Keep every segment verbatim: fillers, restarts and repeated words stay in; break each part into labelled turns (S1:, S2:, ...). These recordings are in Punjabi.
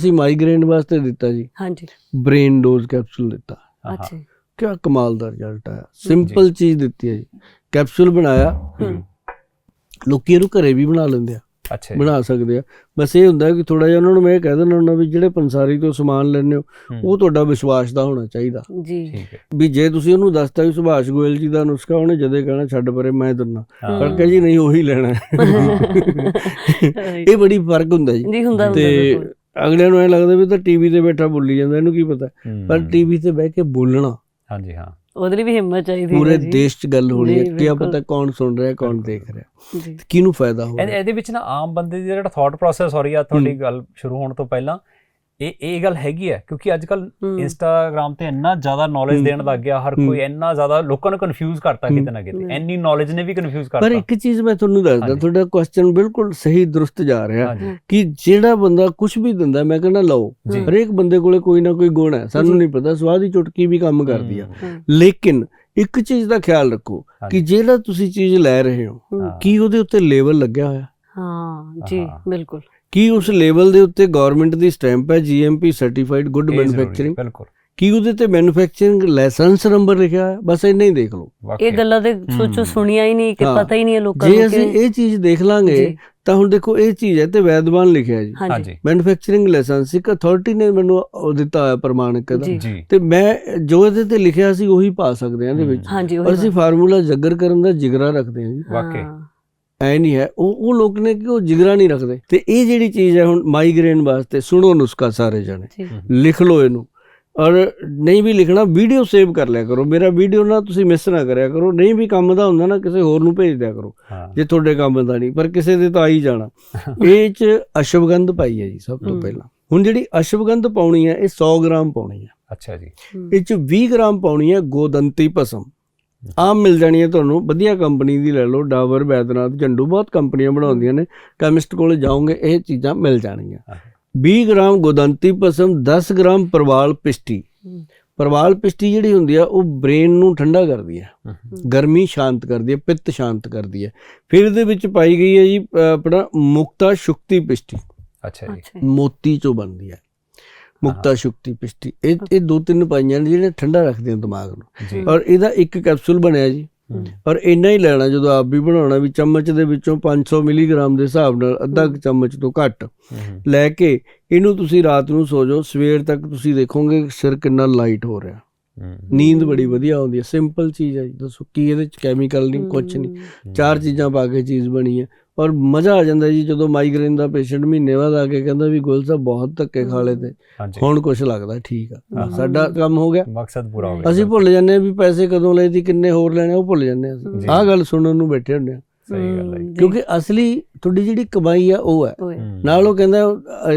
S1: ਅਸੀਂ ਮਾਈਗ੍ਰੇਨ ਵਾਸਤੇ ਦਿੱਤਾ ਜੀ,
S2: ਹਾਂਜੀ,
S1: ਬ੍ਰੇਨ ਡੋਜ਼ ਕੈਪਸੂਲ ਦਿੱਤਾ।
S2: ਅੱਛਾ,
S1: ਕਿਆ ਕਮਾਲ ਦਾ ਰਿਜ਼ਲਟ ਆਇਆ। ਸਿੰਪਲ ਚੀਜ਼ ਦਿੱਤੀ ਹੈ ਜੀ, ਕੈਪਸੂਲ ਬਣਾਇਆ, ਲੋਕੀ ਇਹਨੂੰ ਘਰੇ ਵੀ ਬਣਾ ਲੈਂਦੇ ਆ,
S3: ਅੱਛਾ
S1: ਬਣਾ ਸਕਦੇ ਆ। ਬਸ ਇਹ ਹੁੰਦਾ ਕਿ ਥੋੜਾ ਜਿਹਾ ਉਹਨਾਂ ਨੂੰ ਮੈਂ ਇਹ ਕਹਿ ਦਿੰਦਾ ਹੁੰਦਾ ਵੀ ਜਿਹੜੇ ਪੰਸਾਰੀ ਤੋਂ ਸਮਾਨ ਲੈਂਦੇ ਹੋ ਉਹ ਤੁਹਾਡਾ ਵਿਸ਼ਵਾਸ ਦਾ ਹੋਣਾ ਚਾਹੀਦਾ
S2: ਜੀ,
S1: ਵੀ ਜੇ ਤੁਸੀਂ ਉਹਨੂੰ ਦੱਸਤਾ ਵੀ ਸੁਭਾਸ਼ ਗੋਇਲ ਜੀ ਦਾ ਨੁਸਖਾ, ਉਹਨੇ ਜਦੇ ਕਹਿਣਾ ਛੱਡ ਪਰੇ ਮੈਂ ਦਿੰਦਾ, ਪਰ ਕਹੇ ਜੀ ਨਹੀਂ ਉਹੀ ਲੈਣਾ। ਇਹ ਬੜੀ ਫਰਕ ਹੁੰਦਾ ਜੀ। ਤੇ ਅਗਲਿਆਂ ਨੂੰ ਇਹ ਲੱਗਦਾ ਵੀ ਤਾਂ ਟੀਵੀ ਤੇ ਬੈਠਾ ਬੋਲੀ ਜਾਂਦਾ, ਇਹਨੂੰ ਕੀ ਪਤਾ, ਪਰ ਟੀਵੀ ਤੇ ਬਹਿ ਕੇ ਬੋਲਣਾ,
S3: ਹਾਂਜੀ ਹਾਂ,
S2: ਉਹਦੇ ਲਈ ਵੀ ਹਿੰਮਤ ਚਾਹੀਦੀ,
S1: ਪੂਰੇ ਦੇਸ਼ 'ਚ ਗੱਲ ਹੋਣੀ ਹੈ, ਕੀ ਪਤਾ ਕੌਣ ਸੁਣ ਰਿਹਾ ਕੌਣ ਦੇਖ ਰਿਹਾ, ਕਿਹਨੂੰ ਫਾਇਦਾ ਹੋ ਰਿਹਾ।
S3: ਇਹਦੇ ਵਿੱਚ ਨਾ ਆਮ ਬੰਦੇ ਦੀ ਜਿਹੜਾ ਥਾਟ ਪ੍ਰੋਸੈਸ ਹੋ ਰਹੀ ਆ, ਤੁਹਾਡੀ ਗੱਲ ਸ਼ੁਰੂ ਹੋਣ ਤੋਂ ਪਹਿਲਾਂ ਇਹ ਇਹ ਗੱਲ ਹੈਗੀ ਹੈ, ਕਿਉਂਕਿ ਅੱਜ ਕੱਲ ਇੰਸਟਾਗ੍ਰਾਮ ਤੇ ਇੰਨਾ ਜ਼ਿਆਦਾ ਨੌਲੇਜ ਦੇਣ ਲੱਗ ਗਿਆ ਹਰ ਕੋਈ, ਇੰਨਾ ਜ਼ਿਆਦਾ ਲੋਕਾਂ ਨੂੰ ਕਨਫਿਊਜ਼ ਕਰਤਾ ਕਿਤੇ ਨਾ ਕਿਤੇ, ਇੰਨੀ ਨੌਲੇਜ ਨੇ ਵੀ ਕਨਫਿਊਜ਼ ਕਰਤਾ।
S1: ਪਰ ਇੱਕ ਚੀਜ਼ ਮੈਂ ਤੁਹਾਨੂੰ ਦੱਸਦਾ, ਤੁਹਾਡਾ ਕੁਐਸਚਨ ਬਿਲਕੁਲ ਸਹੀ ਦਰੁਸਤ ਜਾ ਰਿਹਾ ਕਿ ਜਿਹੜਾ ਬੰਦਾ ਕੁਝ ਵੀ ਦਿੰਦਾ, ਮੈਂ ਕਹਿੰਦਾ ਲਓ, ਹਰੇਕ ਬੰਦੇ ਕੋਲੇ ਕੋਈ ਨਾ ਕੋਈ ਗੁਣ ਹੈ, ਸਾਨੂੰ ਨਹੀਂ ਪਤਾ, ਸਵਾਦ ਦੀ ਚੁਟਕੀ ਵੀ ਕੰਮ ਕਰਦੀ ਆ, ਲੇਕਿਨ ਇੱਕ ਚੀਜ਼ ਦਾ ਖਿਆਲ ਰੱਖੋ ਕਿ ਜਿਹੜਾ ਤੁਸੀਂ ਚੀਜ਼ ਲੈ ਰਹੇ ਹੋ ਕੀ ਉਹਦੇ ਉੱਤੇ ਲੇਬਲ ਲੱਗਿਆ ਹੋਇਆ।
S2: ਹਾਂ ਜੀ, ਬਿਲਕੁਲ।
S1: ਕੀ ਉਸ ਲੇਬਲ ਦੇ ਉੱਤੇ ਗਵਰਨਮੈਂਟ ਦੀ ਸਟੈਂਪ ਹੈ, G M P certified good manufacturing,
S3: ਬਿਲਕੁਲ। ਕੀ
S1: ਉਹਦੇ ਤੇ ਮੈਨੂਫੈਕਚਰਿੰਗ ਲਾਇਸੈਂਸ ਨੰਬਰ ਲਿਖਿਆ ਹੈ, ਬਸ ਇੰਨਾ ਹੀ ਦੇਖ ਲਓ।
S2: ਇਹ ਗੱਲਾਂ ਤੇ ਸੋਚੋ ਸੁਣੀਆਂ ਹੀ ਨਹੀਂ ਕਿ ਪਤਾ ਹੀ ਨਹੀਂ ਹੈ ਲੋਕਾਂ ਨੂੰ।
S1: ਜੇ ਅਸੀਂ ਇਹ ਚੀਜ਼ ਦੇਖ ਲਾਂਗੇ ਤਾਂ ਹੁਣ ਦੇਖੋ ਇਹ ਚੀਜ਼ ਹੈ ਤੇ ਵੈਦਵਾਨ ਲਿਖਿਆ ਜੀ, ਮੈਨੂਫੈਕਚਰਿੰਗ ਲਾਇਸੈਂਸ, ਇੱਕ ਅਥਾਰਟੀ ਨੇ ਮੈਨੂੰ ਦਿੱਤਾ ਹੋਇਆ ਪ੍ਰਮਾਣਿਕ ਦਾ, ਤੇ ਮੈਂ ਜੋ ਇਹਦੇ ਤੇ ਲਿਖਿਆ ਸੀ ਉਹੀ ਪਾ ਸਕਦੇ ਹਾਂ ਇਹਦੇ ਵਿੱਚ। ਔਰ ਅਸੀਂ ਫਾਰਮੂਲਾ ਜੱਗਰ ਕਰਨ ਦਾ ਜਿਗਰਾ ਰੱਖਦੇ ਹਾਂ ਜੀ,
S3: ਵਾਕਈ
S1: ਐ ਨਹੀਂ ਹੈ। ਉਹ ਉਹ ਲੋਕ ਨੇ ਕਿ ਉਹ ਜਿਗਰਾ ਨਹੀਂ ਰੱਖਦੇ। ਤੇ ਇਹ ਜਿਹੜੀ ਚੀਜ਼ ਹੈ ਹੁਣ ਮਾਈਗ੍ਰੇਨ ਵਾਸਤੇ, ਸੁਣੋ ਨੁਸਖਾ ਸਾਰੇ ਜਾਣੇ, ਲਿਖ ਲਓ ਇਹਨੂੰ, ਔਰ ਨਹੀਂ ਵੀ ਲਿਖਣਾ ਵੀਡੀਓ ਸੇਵ ਕਰ ਲਿਆ ਕਰੋ। ਮੇਰਾ ਵੀਡੀਓ ਨਾ ਤੁਸੀਂ ਮਿਸ ਨਾ ਕਰਿਆ ਕਰੋ, ਨਹੀਂ ਵੀ ਕੰਮ ਦਾ ਹੁੰਦਾ ਨਾ ਕਿਸੇ ਹੋਰ ਨੂੰ ਭੇਜ ਦਿਆ ਕਰੋ ਜੇ ਤੁਹਾਡੇ ਕੰਮ ਦਾ ਨਹੀਂ, ਪਰ ਕਿਸੇ ਦੇ ਤਾਂ ਆ ਹੀ ਜਾਣਾ। ਇਹ 'ਚ ਅਸ਼ਵਗੰਧ ਪਾਈ ਹੈ ਜੀ ਸਭ ਤੋਂ ਪਹਿਲਾਂ। ਹੁਣ ਜਿਹੜੀ ਅਸ਼ਵਗੰਧ ਪਾਉਣੀ ਹੈ ਇਹ ਸੌ ਗ੍ਰਾਮ ਪਾਉਣੀ ਹੈ।
S3: ਅੱਛਾ ਜੀ।
S1: ਇਹ 'ਚ ਵੀਹ ਗ੍ਰਾਮ ਪਾਉਣੀ ਹੈ ਗੋਦੰਤੀ ਭਸਮ, ਆਮ ਮਿਲ ਜਾਣੀ ਹੈ ਤੁਹਾਨੂੰ, ਵਧੀਆ ਕੰਪਨੀ ਦੀ ਲੈ ਲਓ, ਡਾਬਰ, ਬੈਦਨਾਥ, ਝੰਡੂ, ਬਹੁਤ ਕੰਪਨੀਆਂ ਬਣਾਉਂਦੀਆਂ ਨੇ, ਕੈਮਿਸਟ ਕੋਲ ਜਾਓਗੇ ਇਹ ਚੀਜ਼ਾਂ ਮਿਲ ਜਾਣਗੀਆਂ। ਵੀਹ ਗ੍ਰਾਮ ਗੋਦੰਤੀ ਭਸਮ, ਦਸ ਗ੍ਰਾਮ ਪ੍ਰਵਾਲ ਪਿਸ਼ਟੀ। ਪ੍ਰਵਾਲ ਪਿਸ਼ਟੀ ਜਿਹੜੀ ਹੁੰਦੀ ਆ ਉਹ ਬ੍ਰੇਨ ਨੂੰ ਠੰਡਾ ਕਰਦੀ ਹੈ, ਗਰਮੀ ਸ਼ਾਂਤ ਕਰਦੀ ਹੈ, ਪਿੱਤ ਸ਼ਾਂਤ ਕਰਦੀ ਹੈ। ਫਿਰ ਇਹਦੇ ਵਿੱਚ ਪਾਈ ਗਈ ਹੈ ਜੀ ਆਪਣਾ ਮੁਕਤਾ ਸ਼ੁਕਤੀ ਪਿਸ਼ਟੀ।
S3: ਅੱਛਾ ਜੀ।
S1: ਮੋਤੀ ਚੋਂ ਬਣਦੀ ਹੈ ਮੁਕਤਾ ਸ਼ੁਕਤੀ ਪਿਸ਼ਟੀ। ਇਹ ਇਹ ਦੋ ਤਿੰਨ ਪਾਈਆਂ ਨੇ ਜਿਹੜੇ ਠੰਡਾ ਰੱਖਦੇ ਨੇ ਦਿਮਾਗ ਨੂੰ। ਔਰ ਇਹਦਾ ਇੱਕ ਕੈਪਸੂਲ ਬਣਿਆ ਜੀ, ਔਰ ਇੰਨਾ ਹੀ ਲੈਣਾ ਜਦੋਂ ਆਪ ਵੀ ਬਣਾਉਣਾ, ਵੀ ਚਮਚ ਦੇ ਵਿੱਚੋਂ ਪੰਜ ਸੌ ਮਿਲੀਗ੍ਰਾਮ ਦੇ ਹਿਸਾਬ ਨਾਲ ਅੱਧਾ ਚਮਚ ਤੋਂ ਘੱਟ ਲੈ ਕੇ ਇਹਨੂੰ ਤੁਸੀਂ ਰਾਤ ਨੂੰ ਸੋ ਜਾਓ, ਸਵੇਰ ਤੱਕ ਤੁਸੀਂ ਦੇਖੋਗੇ ਸਿਰ ਕਿੰਨਾ ਲਾਈਟ ਹੋ ਰਿਹਾ, ਨੀਂਦ ਬੜੀ ਵਧੀਆ ਆਉਂਦੀ ਹੈ। ਸਿੰਪਲ ਚੀਜ਼ ਹੈ ਜੀ, ਦੱਸੋ ਕੀ ਇਹਦੇ 'ਚ ਕੈਮੀਕਲ ਨਹੀਂ, ਕੁਛ ਨਹੀਂ, ਚਾਰ ਚੀਜ਼ਾਂ ਪਾ ਕੇ ਚੀਜ਼ ਬਣੀ ਹੈ। ਔਰ ਮਜ਼ਾ ਆ ਜਾਂਦਾ ਜੀ ਜਦੋਂ ਮਾਈਗ੍ਰੇਨ ਦਾ ਪੇਸ਼ੈਂਟ ਮਹੀਨੇ ਬਾਅਦ ਆ ਕੇ ਕਹਿੰਦਾ ਵੀ ਗੋਇਲ ਸਾਹਿਬ ਬਹੁਤ ਧੱਕੇ ਖਾ ਲਏ ਤੇ ਹੁਣ ਕੁਛ ਲੱਗਦਾ ਠੀਕ ਆ, ਸਾਡਾ ਕੰਮ ਹੋ ਗਿਆ,
S3: ਮਕਸਦ ਪੂਰਾ ਹੋ ਗਿਆ।
S1: ਅਸੀਂ ਭੁੱਲ ਜਾਂਦੇ ਹਾਂ ਵੀ ਪੈਸੇ ਕਦੋਂ ਲਏ ਸੀ, ਕਿੰਨੇ ਹੋਰ ਲੈਣੇ, ਉਹ ਭੁੱਲ ਜਾਂਦੇ ਹਾਂ ਅਸੀਂ। ਆਹ ਗੱਲ ਸੁਣਨ ਨੂੰ ਬੈਠੇ ਹੁੰਦੇ ਹਾਂ।
S3: ਸਹੀ ਗੱਲ ਹੈ,
S1: ਕਿਉਂਕਿ ਅਸਲੀ ਤੁਹਾਡੀ ਜਿਹੜੀ ਕਮਾਈ ਆ ਉਹ ਹੈ। ਨਾਲ ਉਹ ਕਹਿੰਦਾ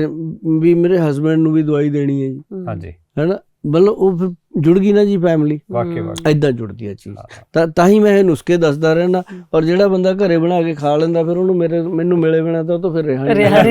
S1: ਵੀ ਮੇਰੇ ਹਸਬੈਂਡ ਨੂੰ ਵੀ ਦਵਾਈ ਦੇਣੀ ਹੈ ਜੀ, ਹਾਂਜੀ, ਹੈਨਾ, ਮਤਲਬ ਉਹ ਫਿਰ ਜੁੜ ਗਈ ਨਾ ਜੀ ਫੈਮਿਲੀ, ਏਦਾਂ ਜੁੜਦੀ ਹੈ ਚੀਜ਼। ਤਾਂ ਤਾਂ ਹੀ ਮੈਂ ਇਹ ਨੁਸਖੇ ਦੱਸਦਾ ਰਹਿਣਾ। ਔਰ ਜਿਹੜਾ ਬੰਦਾ ਘਰੇ ਬਣਾ ਕੇ ਖਾ ਲੈਂਦਾ ਫਿਰ ਉਹਨੂੰ ਮੇਰੇ ਮੈਨੂੰ ਮਿਲੇ ਬਿਨਾਂ ਤਾਂ ਉਹ ਤਾਂ ਫਿਰ ਰਿਹਾ